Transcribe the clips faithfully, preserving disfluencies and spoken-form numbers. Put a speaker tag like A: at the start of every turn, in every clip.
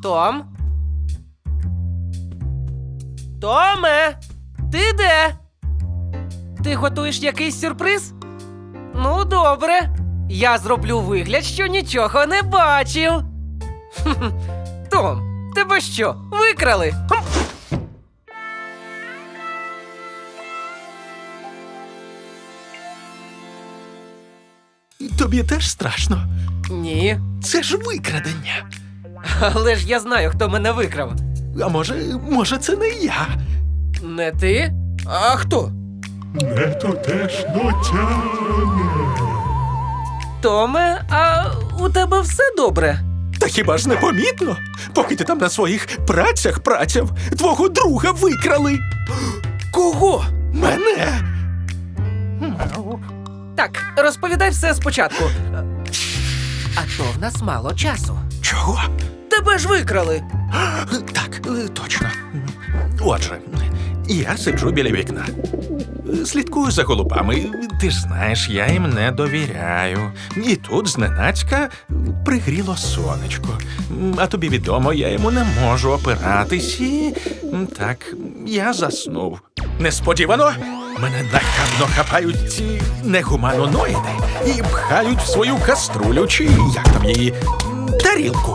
A: Том? Томе! Ти де? Ти готуєш якийсь сюрприз? Ну, добре. Я зроблю вигляд, що нічого не бачив. Хм-хм. Том, тебе що, викрали? Хм.
B: Тобі теж страшно?
A: Ні.
B: Це ж викрадення.
A: Але ж я знаю, хто мене викрав.
B: А може, може це не я?
A: Не ти? А хто?
B: Не тутешно тяне.
A: Томе, а у тебе все добре?
B: Та хіба ж не помітно? Поки ти там на своїх працях працяв, твого друга викрали.
A: Кого?
B: Мене.
A: Так, розповідай все спочатку. А то в нас мало часу.
B: Чого?
A: Тебе ж викрали.
B: Так, точно. Отже, я сиджу біля вікна. Слідкую за голубами. Ти ж знаєш, я їм не довіряю. І тут зненацька пригріло сонечко. А тобі відомо, я йому не можу опиратись. І так, я заснув. Несподівано мене нахабно хапають ці негуманоноїди і пхають в свою каструлю, чи як там її, тарілку.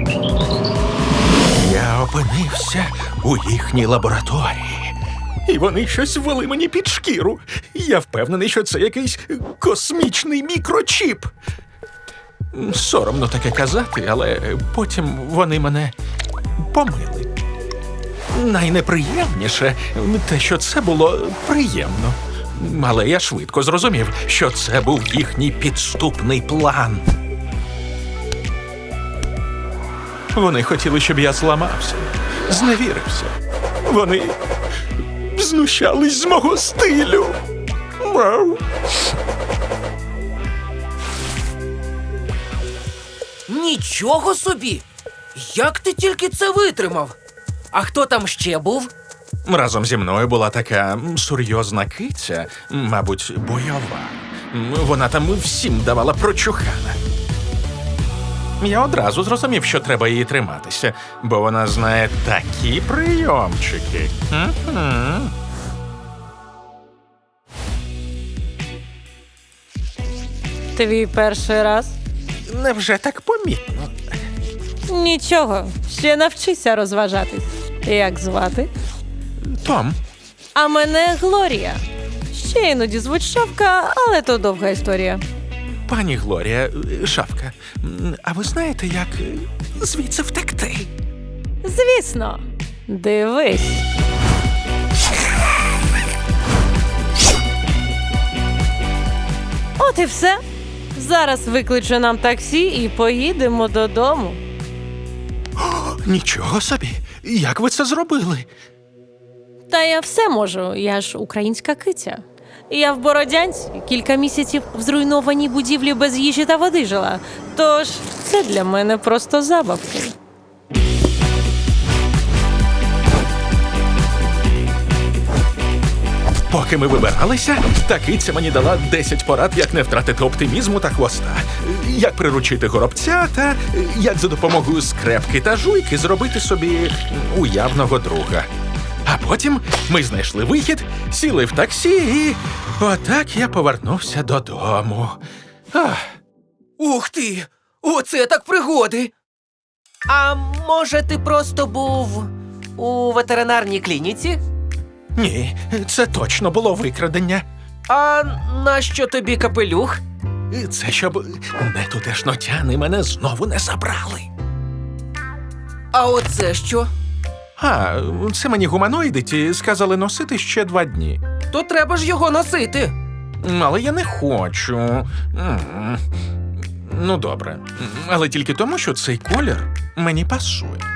B: Я опинився у їхній лабораторії. І вони щось ввели мені під шкіру. Я впевнений, що це якийсь космічний мікрочіп. Соромно таке казати, але потім вони мене помили. Найнеприємніше те, що це було приємно. Але я швидко зрозумів, що це був їхній підступний план. Вони хотіли, щоб я зламався, зневірився. Вони знущались з мого стилю. Вау.
A: Нічого собі! Як ти тільки це витримав? А хто там ще був?
B: Разом зі мною була така серйозна киця, мабуть, бойова. Вона там всім давала прочухана. Я одразу зрозумів, що треба її триматися, бо вона знає такі прийомчики. М-м.
C: Твій перший раз?
B: Невже так помітно?
C: Нічого, ще навчися розважатись. Як звати?
B: Том,
C: А мене Глорія. Ще іноді звуть Шавка, але то довга історія.
B: пані Глорія, Шавка, а ви знаєте, як звідси втекти?
C: Звісно. Дивись. От і все. Зараз викличу нам таксі і поїдемо додому.
B: Нічого собі, як ви це зробили?
C: Та я все можу, я ж українська киця. Я в Бородянці кілька місяців в зруйнованій будівлі без їжі та води жила. Тож це для мене просто забавки.
B: Поки ми вибиралися, та киця мені дала десять порад, як не втратити оптимізму та хвоста, як приручити горобця та як за допомогою скрепки та жуйки зробити собі уявного друга. А потім ми знайшли вихід, сіли в таксі і отак я повернувся додому. Ах.
A: Ух ти! Оце так пригоди! А може, ти просто був у ветеринарній клініці?
B: Ні, це точно було викрадення.
A: А нащо тобі капелюх?
B: Це щоб нетутешнотяни мене знову не забрали.
A: А оце що?
B: А, це мені гуманоїди ті сказали носити ще два дні.
A: То треба ж його носити.
B: Але я не хочу. М. Ну, добре. Але тільки тому, що цей колір мені пасує.